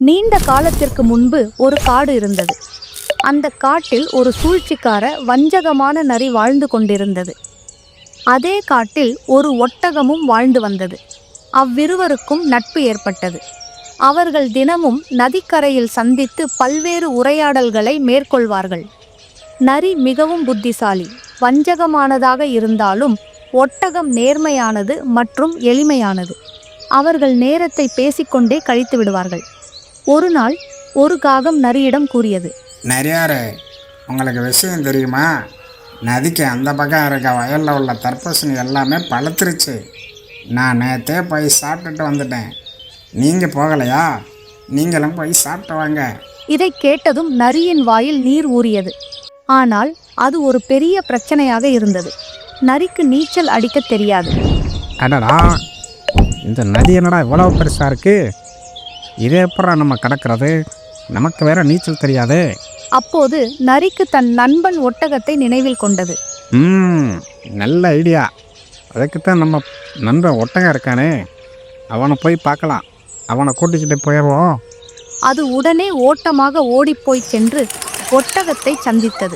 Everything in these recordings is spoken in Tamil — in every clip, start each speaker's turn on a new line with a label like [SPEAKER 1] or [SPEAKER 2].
[SPEAKER 1] நீண்ட காலத்திற்கு முன்பு ஒரு காடு இருந்தது. அந்த காட்டில் ஒரு சூழ்ச்சிக்கார வஞ்சகமான நரி வாழ்ந்து கொண்டிருந்தது. அதே காட்டில் ஒரு ஒட்டகமும் வாழ்ந்து வந்தது. அவ்விருவருக்கும் நட்பு ஏற்பட்டது. அவர்கள் தினமும் நதிக்கரையில் சந்தித்து பல்வேறு உரையாடல்களை மேற்கொள்வார்கள். நரி மிகவும் புத்திசாலி, வஞ்சகமானதாக இருந்தாலும் ஒட்டகம் நேர்மையானது மற்றும் எளிமையானது. அவர்கள் நேரத்தை பேசிக்கொண்டே கழித்து விடுவார்கள். ஒரு நாள் ஒரு காகம் நரியிடம் கூறியது,
[SPEAKER 2] நிறையாரு, உங்களுக்கு விஷயம் தெரியுமா? நதிக்கு அந்த பக்கம் இருக்க வயலில் உள்ள தர்பூசணி எல்லாமே பழுத்துருச்சு. நான் நேற்றே போய் சாப்பிட்டுட்டு வந்துட்டேன். நீங்கள் போகலையா? நீங்களும் போய் சாப்பிட்டு வாங்க.
[SPEAKER 1] இதை கேட்டதும் நரியின் வாயில் நீர் ஊறியது. ஆனால் அது ஒரு பெரிய பிரச்சனையாக இருந்தது. நரிக்கு நீச்சல் அடிக்க தெரியாது.
[SPEAKER 3] அடடா, இந்த நதி என்னடா இவ்வளவு பெருசாக இருக்கு? இதே எப்பறம் நம்ம கடக்கிறது? நமக்கு வேற நீச்சல் தெரியாது.
[SPEAKER 1] அப்போது நரிக்கு தன் நண்பன் ஒட்டகத்தை நினைவில் கொண்டது.
[SPEAKER 3] நல்ல ஐடியா. அதுக்குத்தான் நம்ம நண்பன் ஒட்டகம் இருக்கானே, அவனை போய் பார்க்கலாம். அவனை கூட்டிக்கிட்டு போயிடுவோம்.
[SPEAKER 1] அது உடனே ஓட்டமாக ஓடிப்போய் சென்று ஒட்டகத்தை சந்தித்தது.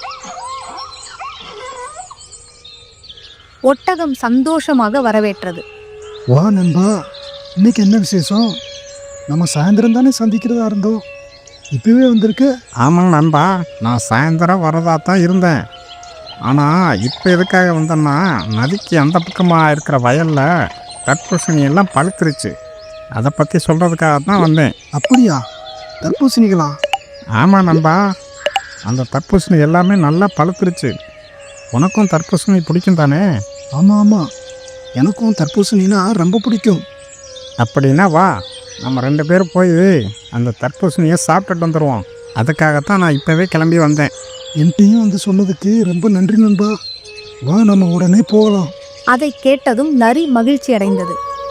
[SPEAKER 1] ஒட்டகம் சந்தோஷமாக வரவேற்றது.
[SPEAKER 4] வா நண்பா, இன்னைக்கு என்ன விசேஷம்? நம்ம சாயந்தரம் தானே சந்திக்கிறதா இருந்தோம், இப்பவே வந்திருக்கு.
[SPEAKER 3] ஆமாம் நண்பா, நான் சாயந்தரம் வரதா தான் இருந்தேன். ஆனால் இப்போ எதுக்காக வந்தேன்னா, நதிக்கு அந்த பக்கமாக இருக்கிற வயலில் தர்பூசணி எல்லாம் பழுத்துருச்சு. அதை பற்றி சொல்கிறதுக்காக தான் வந்தேன்.
[SPEAKER 4] அப்படியா? தர்பூசணிகளா?
[SPEAKER 3] ஆமாம் நண்பா, அந்த தர்பூசணி எல்லாமே நல்லா பழுத்துருச்சு. உனக்கும் தர்பூசணி பிடிக்கும் தானே?
[SPEAKER 4] ஆமாம் ஆமாம், எனக்கும் தர்பூசணினா ரொம்ப பிடிக்கும்.
[SPEAKER 3] அப்படின்னா வா, நம்ம 2 பேரும் போய் அந்த தர்பூசணியை சாப்பிட்டுட்டு வந்துடுவோம். அதுக்காகத்தான் நான் இப்போவே கிளம்பி வந்தேன்.
[SPEAKER 4] என்கிட்டையும் வந்து சொன்னதுக்கு ரொம்ப நன்றி நண்பா. வா, நம்ம உடனே போகலாம்.
[SPEAKER 1] அதை கேட்டதும் நரி மகிழ்ச்சி அடைந்தது.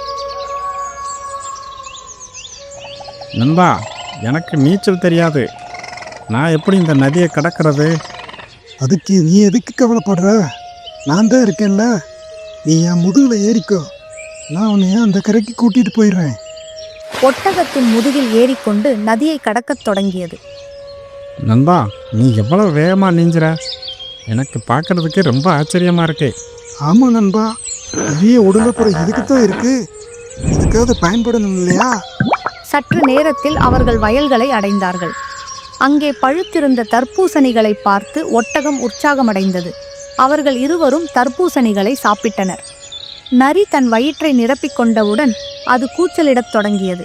[SPEAKER 3] நண்பா, எனக்கு நீச்சல் தெரியாது. நான் எப்படி இந்த நதியை கடக்கிறது?
[SPEAKER 4] அதுக்கு நீ எதுக்கு கவலைப்படுற? நான் தான் இருக்கேன்ல. நீ என் முதுகில் ஏறிக்கோ, நான் உன்னை அந்த கரைக்கு கூட்டிகிட்டு போயிடுறேன்.
[SPEAKER 1] ஒட்டகத்தின் முதுகில் ஏறிக்கொண்டு நதியை கடக்கத் தொடங்கியது.
[SPEAKER 3] நண்பா, நீ எவ்வளவு வேகமாக நீஞ்சுற! எனக்கு பார்க்கறதுக்கு ரொம்ப ஆச்சரியமாக இருக்கு.
[SPEAKER 4] ஆமாம் நண்பா, பெரிய உடலப்புறம் இதுக்குத்தான் இருக்கு. இதுக்காவது பயன்படணும் இல்லையா?
[SPEAKER 1] சற்று நேரத்தில் அவர்கள் வயல்களை அடைந்தார்கள். அங்கே பழுத்திருந்த தர்பூசணிகளை பார்த்து ஒட்டகம் உற்சாகமடைந்தது. அவர்கள் இருவரும் தர்பூசணிகளை சாப்பிட்டனர். நரி தன் வயிற்றை நிரப்பிக் கொண்டவுடன் அது கூச்சலிடத் தொடங்கியது.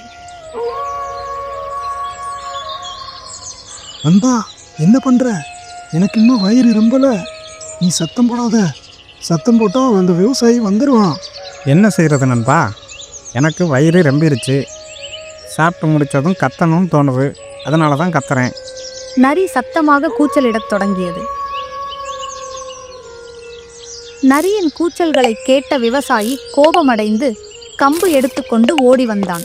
[SPEAKER 4] நண்பா, என்ன பண்ற? எனக்கு இன்னும் வயிறு ரொம்பல. நீ சத்தம் போடாத. சத்தம் போட்டா அந்த விவசாயி வந்துடுவான்.
[SPEAKER 3] என்ன செய்கிறது நண்பா? எனக்கு வயிறு ரொம்பிருச்சு. சாப்பிட்டு முடித்ததும் கத்தணும்னு தோணுது. அதனால தான் கத்துறேன்.
[SPEAKER 1] நரி சத்தமாக கூச்சலிடத் தொடங்கியது. நரியின் கூச்சல்களை கேட்ட விவசாயி கோபமடைந்து கம்பு எடுத்துக்கொண்டு ஓடி வந்தான்.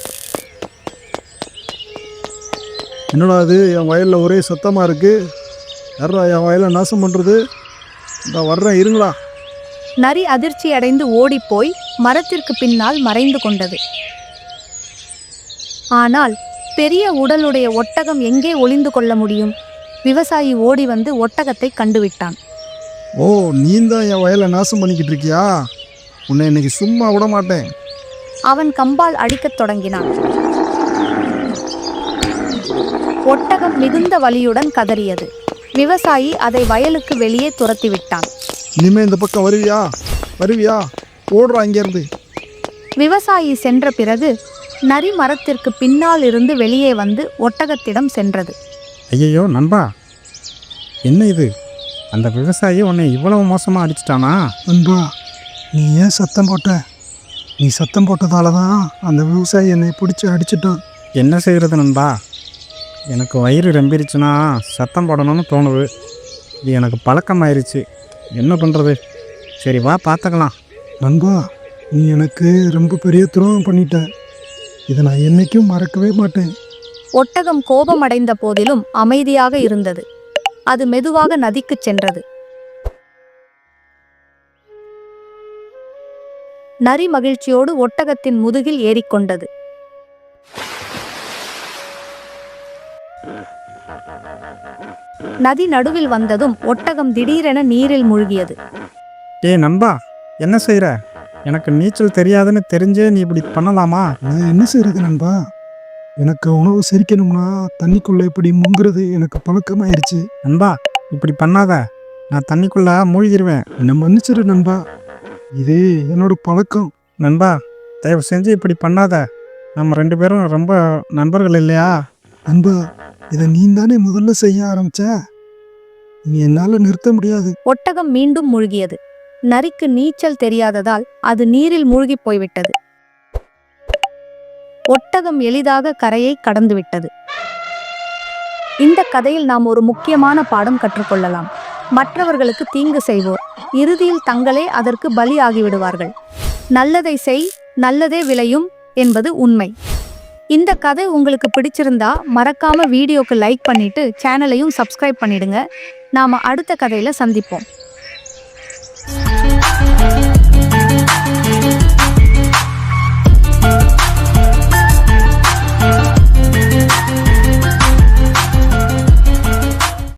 [SPEAKER 4] என்னடா அது, என் வயலில் ஒரே சத்தமாக இருக்கு. யாரா என் வயலை நாசம் பண்ணுறது? நான் வர்றேன், இருங்களா.
[SPEAKER 1] நரி அதிர்ச்சி அடைந்து ஓடிப்போய் மரத்திற்கு பின்னால் மறைந்து கொண்டது. ஆனால் பெரிய உடலுடைய ஒட்டகம் எங்கே ஒளிந்து கொள்ள முடியும்? விவசாயி ஓடி வந்து ஒட்டகத்தை கண்டுவிட்டான்.
[SPEAKER 4] ஓ, நீ தான் என் வயலை நாசம் பண்ணிக்கிட்டு இருக்கியா? உன்னை இன்னைக்கு சும்மா விட மாட்டேன்.
[SPEAKER 1] அவன் கம்பால் அடிக்கத் தொடங்கினான். ஒட்டகம் மிகுந்த வலியுடன் கதறியது. விவசாயி அதை வயலுக்கு வெளியே துரத்திவிட்டான்.
[SPEAKER 4] இனிமே இந்த பக்கம் வருவியா? வருவியா? ஓடுறா இங்கேருந்து.
[SPEAKER 1] விவசாயி சென்ற பிறகு நரி மரத்திற்கு பின்னால் இருந்து வெளியே வந்து ஒட்டகத்திடம் சென்றது.
[SPEAKER 3] ஐயையோ நண்பா, என்ன இது? அந்த விவசாயி உன்னை இவ்வளவு மோசமாக அடிச்சிட்டானா?
[SPEAKER 4] நண்பா, நீ ஏன் சத்தம் போட்ட? நீ சத்தம் போட்டதால தான் அந்த விவசாயி என்னை பிடிச்சி அடிச்சிட்டான்.
[SPEAKER 3] என்ன செய்கிறது நண்பா? எனக்கு வயிறு ரொம்பிருச்சுன்னா சத்தம் போடணும்னு தோணுது. இது எனக்கு பழக்கமாயிருச்சு. என்ன பண்ணுறது? சரி வா, பார்த்துக்கலாம்.
[SPEAKER 4] நண்பா, நீ எனக்கு ரொம்ப பெரிய துரோகம் பண்ணிட்ட. இதை நான் என்னைக்கும் மறக்கவே மாட்டேன்.
[SPEAKER 1] ஒட்டகம் கோபமடைந்த போதிலும் அமைதியாக இருந்தது. அது மெதுவாக நதிக்குச் சென்றது. நரி மகிழ்ச்சியோடு ஒட்டகத்தின் முதுகில் ஏறிக்கொண்டது. நதி நடுவில் வந்ததும் ஒட்டகம் திடீரென நீரில் மூழ்கியது.
[SPEAKER 3] ஏய் நண்பா, என்ன செய்கிற? எனக்கு நீச்சல் தெரியாதுன்னு தெரிஞ்சே நீ இப்படி பண்ணலாமா?
[SPEAKER 4] நான் என்ன செய்யறது நண்பா? எனக்கு உணவு செரிக்கணும்னா தண்ணிக்குள்ளே இப்படி முங்குறது எனக்கு பழக்கமாயிருச்சு.
[SPEAKER 3] நண்பா, இப்படி பண்ணாத, நான் தண்ணிக்குள்ளே மூழ்கிடுவேன்.
[SPEAKER 4] என்னை மன்னிச்சிரு நண்பா, இதே என்னோட பழக்கம்.
[SPEAKER 3] நண்பா, தயவு செஞ்சு இப்படி பண்ணாத. நம்ம 2 பேரும் ரொம்ப நண்பர்கள் இல்லையா?
[SPEAKER 4] நண்பா, இதை நீ தானே முதல்ல செய்ய ஆரம்பிச்ச. நீ என்னால் நிறுத்த முடியாது.
[SPEAKER 1] ஒட்டகம் மீண்டும் மூழ்கியது. நரிக்கு நீச்சல் தெரியாததால் அது நீரில் மூழ்கி போய்விட்டது. ஒட்டகம் எளிதாக கரையை கடந்துவிட்டது. இந்த கதையில் நாம் ஒரு முக்கியமான பாடம் கற்றுக்கொள்ளலாம். மற்றவர்களுக்கு தீங்கு செய்வோர் இறுதியில் தங்களே அதற்கு பலி ஆகிவிடுவார்கள். நல்லதை செய், நல்லதே விளையும் என்பது உண்மை. இந்த கதை உங்களுக்கு பிடிச்சிருந்தா மறக்காம வீடியோக்கு லைக் பண்ணிட்டு சேனலையும் சப்ஸ்கிரைப் பண்ணிடுங்க. நாம அடுத்த கதையில சந்திப்போம்.